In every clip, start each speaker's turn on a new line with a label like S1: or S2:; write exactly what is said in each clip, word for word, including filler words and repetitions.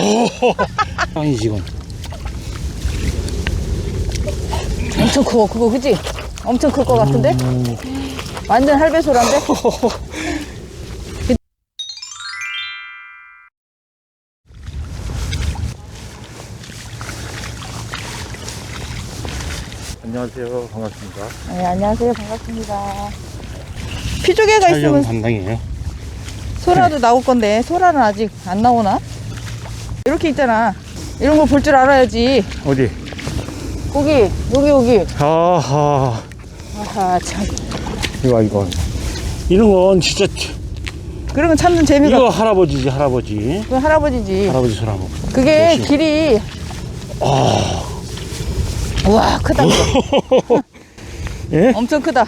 S1: 아니 지금
S2: 엄청 커 그거 그지? 엄청 클 것 같은데?
S1: 음.
S2: 완전 할배소란데?
S1: 안녕하세요, 반갑습니다.
S2: 네, 안녕하세요, 반갑습니다. 피조개가
S1: 촬영
S2: 있으면
S1: 담당이에요.
S2: 소라도 나올 건데 소라는 아직 안 나오나? 이렇게 있잖아. 이런 거 볼 줄 알아야지.
S1: 어디?
S2: 거기 여기 여기.
S1: 아하,
S2: 아하 참.
S1: 이거 이거 이런 건 진짜
S2: 그런 거 찾는 재미가.
S1: 이거 할아버지지 할아버지.
S2: 그 할아버지지.
S1: 할아버지 소라고.
S2: 그게
S1: 역시.
S2: 길이.
S1: 아,
S2: 우와 크다.
S1: 예?
S2: 엄청 크다.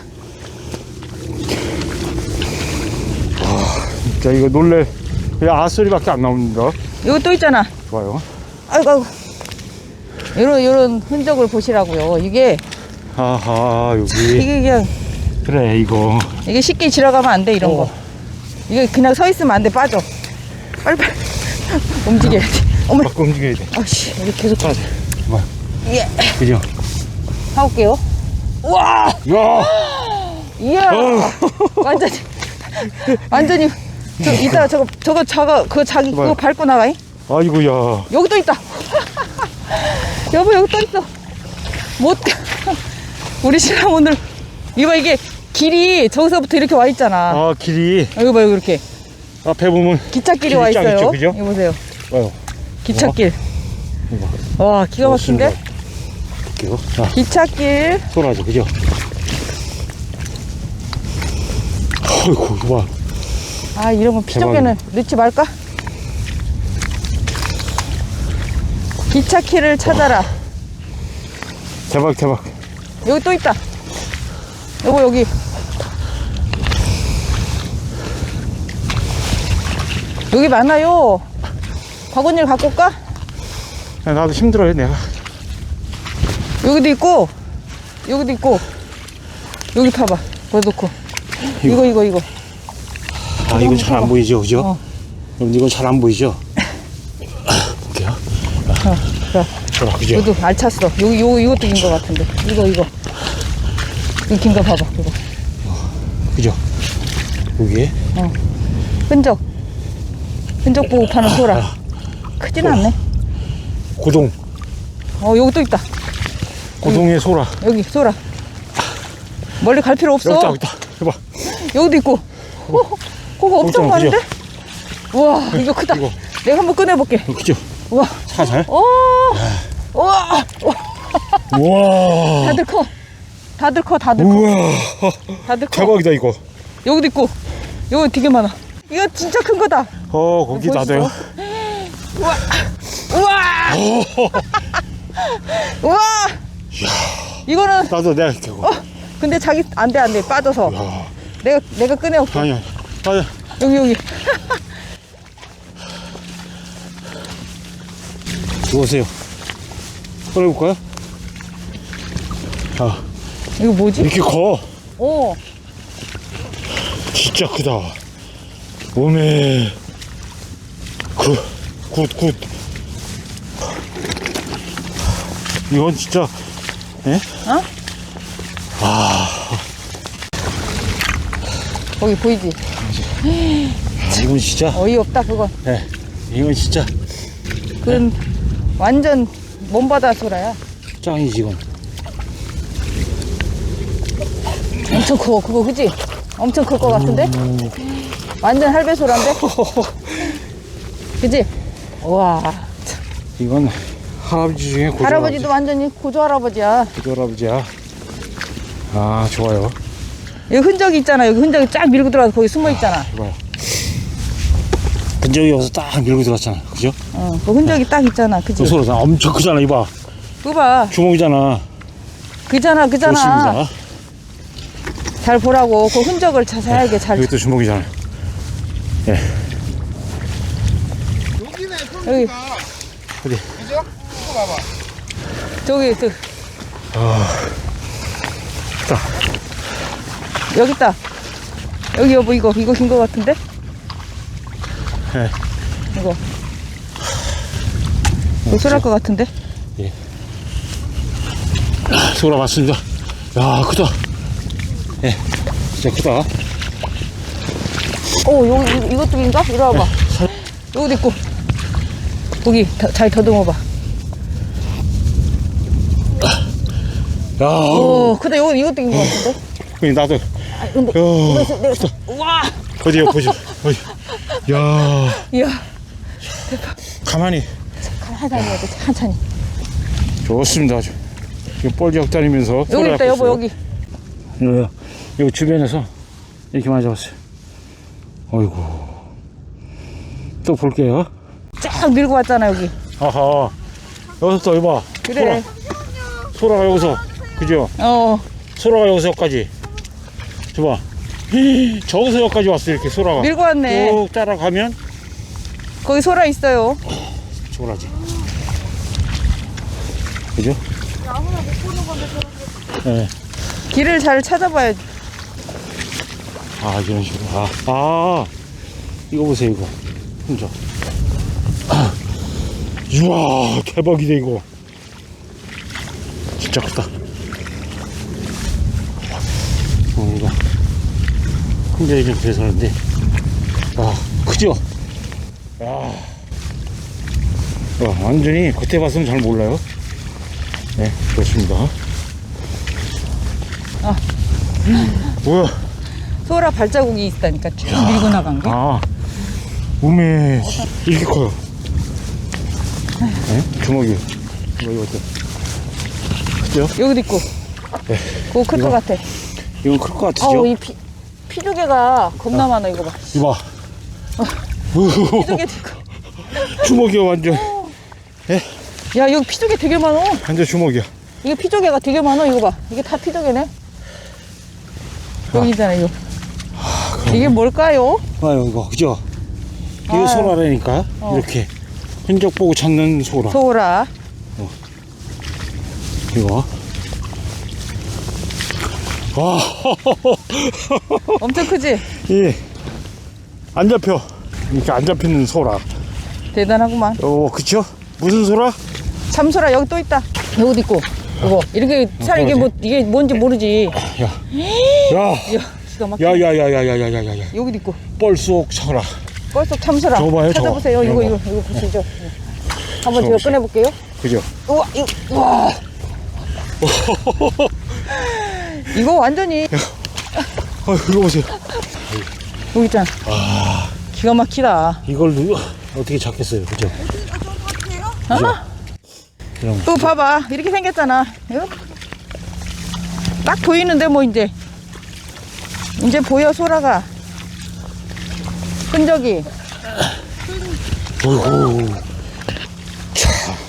S1: 진짜 이거 놀래. 그냥 아 소리밖에 안 나옵니다.
S2: 여기 또 있잖아.
S1: 좋아요.
S2: 아이고 아이고. 요런 요런 흔적을 보시라고요. 이게
S1: 아하 여기.
S2: 이게 그냥
S1: 그래 이거.
S2: 이게 쉽게 지나가면 안 돼 이런
S1: 어.
S2: 거. 이게 그냥 서 있으면 안 돼 빠져. 빨리 빨리 움직여야지. 어머.
S1: 막 움직여야 돼.
S2: 아씨 여기 계속
S1: 빠져. 뭐?
S2: 예.
S1: 그죠?
S2: 가볼게요. 우와.
S1: 야.
S2: 이야.
S1: 어.
S2: 완전히 완전히 저 이따 저거 저거 저거 그거 자기 그거
S1: 뭐야?
S2: 밟고 나가잉.
S1: 아이고야.
S2: 여기 또 있다. 여보 여기 또 있어. 못 가. 우리 신랑 오늘 이거 이게 길이 저기서부터 이렇게 와 있잖아.
S1: 아 길이
S2: 여기 봐 여기 이렇게
S1: 앞에 보면
S2: 기찻길이 와
S1: 길이 쫙
S2: 있어요.
S1: 있죠, 그죠?
S2: 이거 보세요.
S1: 와요.
S2: 기찻길.
S1: 이거.
S2: 와 기가 막힌데?
S1: 볼게요. 자,
S2: 기찻길.
S1: 소라죠, 그죠? 어이구, 좋아.
S2: 아 이런 거 피조개는 넣지 말까? 기찻길을 찾아라.
S1: 대박, 대박.
S2: 여기 또 있다. 여보 여기. 여기 많아요. 바구니를 갖고 올까?
S1: 야, 나도 힘들어요, 내가.
S2: 여기도 있고 여기도 있고 여기 봐봐. 거기 놓고 이거 이거 이거.
S1: 아, 이건 잘 안 보이죠, 그죠?
S2: 어.
S1: 그럼 이건 잘 안 보이죠? 볼게요.
S2: 어, 그래.
S1: 소라, 그죠?
S2: 이것도 알찼어. 여기 요 이것도 긴 거 같은데. 이거 이거. 이거 긴 거 봐봐. 이거.
S1: 그죠? 여기에?
S2: 어. 흔적. 흔적 보고 파는 소라. 크진 않네.
S1: 고동.
S2: 어 여기 또 있다.
S1: 고동의 소라.
S2: 여기 소라. 멀리 갈 필요 없어.
S1: 여기 있다, 여기 있다. 해봐.
S2: 여기도 있고. 어, 그거 엄청
S1: 엄청
S2: 많은데? 우와 이거 크다.
S1: 이거.
S2: 내가 한번 꺼내볼게.
S1: 그죠?
S2: 우와.
S1: 살살.
S2: 오. 우와.
S1: 우와.
S2: 다들 커. 다들 커. 다들 커.
S1: 우와.
S2: 다들 커.
S1: 대박이다, 이거.
S2: 여기도 있고. 여기 되게 많아. 이거 진짜 큰 거다.
S1: 어, 거기
S2: 보이시죠?
S1: 나도요.
S2: 우와. 우와. 우와. 이거는
S1: 나도 내가 이렇게 하고.
S2: 어. 근데 자기 안돼 안돼 빠져서.
S1: 야.
S2: 내가 내가 꺼내올게.
S1: 아니야. 아니야.
S2: 여기 여기.
S1: 누우세요. 꺼내볼까요? 아,
S2: 이거 뭐지?
S1: 이렇게 커.
S2: 오.
S1: 진짜 크다. 오메. 굿, 굿, 굿. 이건 진짜, 예?
S2: 어? 거기 보이지?
S1: 아, 이건 진짜,
S2: 어이없다 그건.
S1: 예. 이건 진짜
S2: 그건 완전 먼바다 소라야.
S1: 짱이지, 이건.
S2: 엄청 커 그거 그지? 엄청 클 것 같은데? 완전 할배소란데? 그지? 우와.
S1: 이건 할아버지 중에 고조
S2: 할아버지도 완전히 고조 할아버지야.
S1: 고조 할아버지야. 아, 좋아요.
S2: 여기 흔적이 있잖아. 여기 흔적이 쫙 밀고 들어가서 거기 숨어 있잖아.
S1: 이봐요. 근적이 여기서 딱 밀고 들어왔잖아. 그죠?
S2: 어, 그 흔적이 딱 있잖아.
S1: 그
S2: 그지?
S1: 소라 엄청 크잖아, 이봐.
S2: 그거 봐.
S1: 주먹이잖아.
S2: 그잖아, 그잖아.
S1: 좋습니다.
S2: 잘 보라고. 그 흔적을 자세하게 잘.
S1: 여기 또 주먹이잖아. 예.
S3: 여기네
S2: 여기.
S1: 어디?
S3: 그죠? 이거 봐봐.
S2: 저기, 저,
S1: 자,
S2: 여기 있다. 여기 여보, 이거, 이거 긴 거 같은데?
S1: 예.
S2: 이거. 고소할 것 같은데?
S1: 예. 소라 맞습니다. 야, 크다. 예, 진짜 크다.
S2: 오, 요, 이- 이것도 인가? 이리 와봐. 여기도 있고. 거기, 더, 잘 더듬어봐.
S1: 야,
S2: 오, 근데 요, 이것도 인것 같은데?
S1: 그니 나도.
S2: 아, 근데,
S1: 야,
S2: 이거에서 내가, 우와!
S1: 어디요, 보죠. 어디. 야,
S2: 이야,
S1: 가만히.
S2: 한산히 해야 돼, 한산히.
S1: 좋습니다. 아주. 지금 뻘지역 다니면서.
S2: 여기
S1: 소라
S2: 있다, 여보,
S1: 잡고
S2: 여기.
S1: 있어요. 여기, 여기 주변에서 이렇게 많이 잡았어요. 어이구. 또 볼게요.
S2: 쫙 밀고 왔잖아, 여기.
S1: 아하. 여기서 또 이봐.
S2: 그래.
S1: 소라, 소라가 여기서. 그죠?
S2: 어,
S1: 소라가 여기서까지. 줘봐. 히, 저기서 여기까지 왔어, 이렇게 소라가.
S2: 밀고 왔네.
S1: 쭉 따라가면
S2: 거기 소라 있어요.
S1: 소라지. 그죠?
S3: 아무나 못 보는 건데 저렇게.
S1: 예.
S2: 길을 잘 찾아봐야지.
S1: 아, 이런 식으로. 아, 아. 이거 보세요, 이거. 혼자. 아. 우와, 대박이다, 이거. 진짜 크다. 어, 이거. 혼자 이렇게 돼서는데. 아, 크죠? 야. 와, 완전히 겉에 봐서는 잘 몰라요. 네, 그렇습니다.
S2: 아.
S1: 뭐야?
S2: 소라 발자국이 있다니까 쭉 밀고 나간 게.
S1: 아, 우메, 이렇게 커요. 네? 주먹이. 이거, 이거 어때? 그죠?
S2: 여기도 있고.
S1: 네.
S2: 그거 클 것
S1: 이거.
S2: 같아.
S1: 이건 클 것 같으죠?
S2: 아우, 이 피, 피조개가 겁나 많아, 이거 봐.
S1: 이봐.
S2: 피조개도 있고.
S1: 주먹이야, 완전.
S2: 야, 여기 피조개 되게 많어.
S1: 완전 주먹이야.
S2: 이게 피조개가 되게 많아, 이거 봐. 이게 다 피조개네. 여기 있잖아, 이거. 이게 뭘까요?
S1: 아유, 이거, 그죠? 이거
S2: 아유.
S1: 소라라니까.
S2: 어.
S1: 이렇게. 흔적 보고 찾는 소라.
S2: 소라.
S1: 이거. 와,
S2: 엄청 크지?
S1: 예. 안 잡혀. 이렇게 안 잡히는 소라.
S2: 대단하구만.
S1: 어, 그쵸? 무슨 소라?
S2: 참소라 여기 또 있다. 여기도 있고. 이거 이렇게 살 이게 뭐 이게 뭔지 모르지.
S1: 야. 야.
S2: 야, 기가 막혀.
S1: 야, 야, 야, 야, 야, 야, 야, 야, 야.
S2: 여기도 있고.
S1: 뻘속 소라.
S2: 뻘속 참소라.
S1: 저거 봐요, 저거.
S2: 찾아보세요. 이거
S1: 이거
S2: 이거 이거 보시죠. 한번 제가
S1: 보세요.
S2: 꺼내 볼게요.
S1: 그죠?
S2: 우와, 이거 우와. 이거 완전히
S1: 아, 이거 보세요.
S2: 여기 있잖아. 기가 막히다.
S1: 이걸 누 어떻게 잡겠어요, 그죠? 그죠? 그럼
S2: 또 봐봐. 이렇게 생겼잖아. 이거 딱 보이는데 뭐 이제 이제 보여 소라가 흔적이.
S1: 어이구. 차.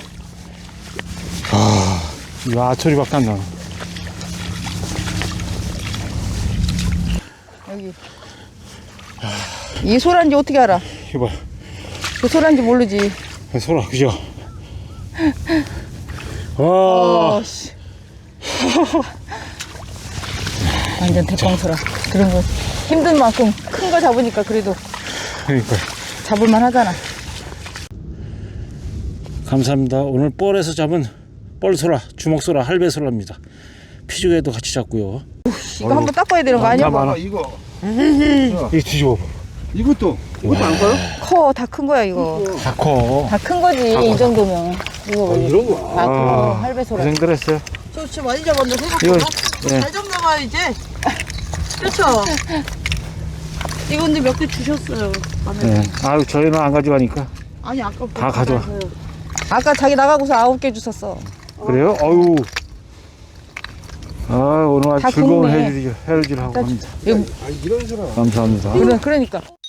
S1: 아, 이거 아처리밖에 안 나.
S2: 여기 이 소라인지 어떻게 알아?
S1: 이봐,
S2: 그 소라인지 모르지.
S1: 소라, 그죠? 와,
S2: 어, 씨. 완전 대빵소라. 그런 거 힘든 만큼 큰 거 잡으니까 그래도
S1: 그러니까.
S2: 잡을만 하잖아.
S1: 감사합니다. 오늘 뻘에서 잡은 뻘소라, 주먹소라, 할배소라입니다. 피조개도 같이 잡고요.
S2: 이거 한번 닦아야 되는 거 아니야?
S1: 많아.
S3: 아, 이거
S1: 이거 뒤집어.
S3: 이것도 이것도 안 가요?
S2: 커, 다 큰 거야 이거.
S1: 다 커.
S2: 다 큰 거지 이 정도면. 이거 왜
S3: 이런 거.
S2: 아, 그거 할배소라.
S1: 고생들 했어요.
S3: 저 진짜 많이 잡았는데
S1: 이거,
S3: 생각보다
S1: 예.
S3: 잘 잡나봐요 이제. 그렇죠. 이거 근데 몇 개 주셨어요.
S1: 네. 아유, 저희는 안 가져가니까.
S3: 아니 아까
S1: 다 가져와.
S2: 아까 자기 나가고서 아홉 개 주셨어.
S1: 그래요? 어유. 아, 오늘
S2: 다
S1: 아주 즐거운
S2: 굽네.
S1: 해질, 해질 하고 합니다.
S2: 이거,
S3: 아 이런 소라.
S1: 감사합니다.
S2: 그래, 그러니까.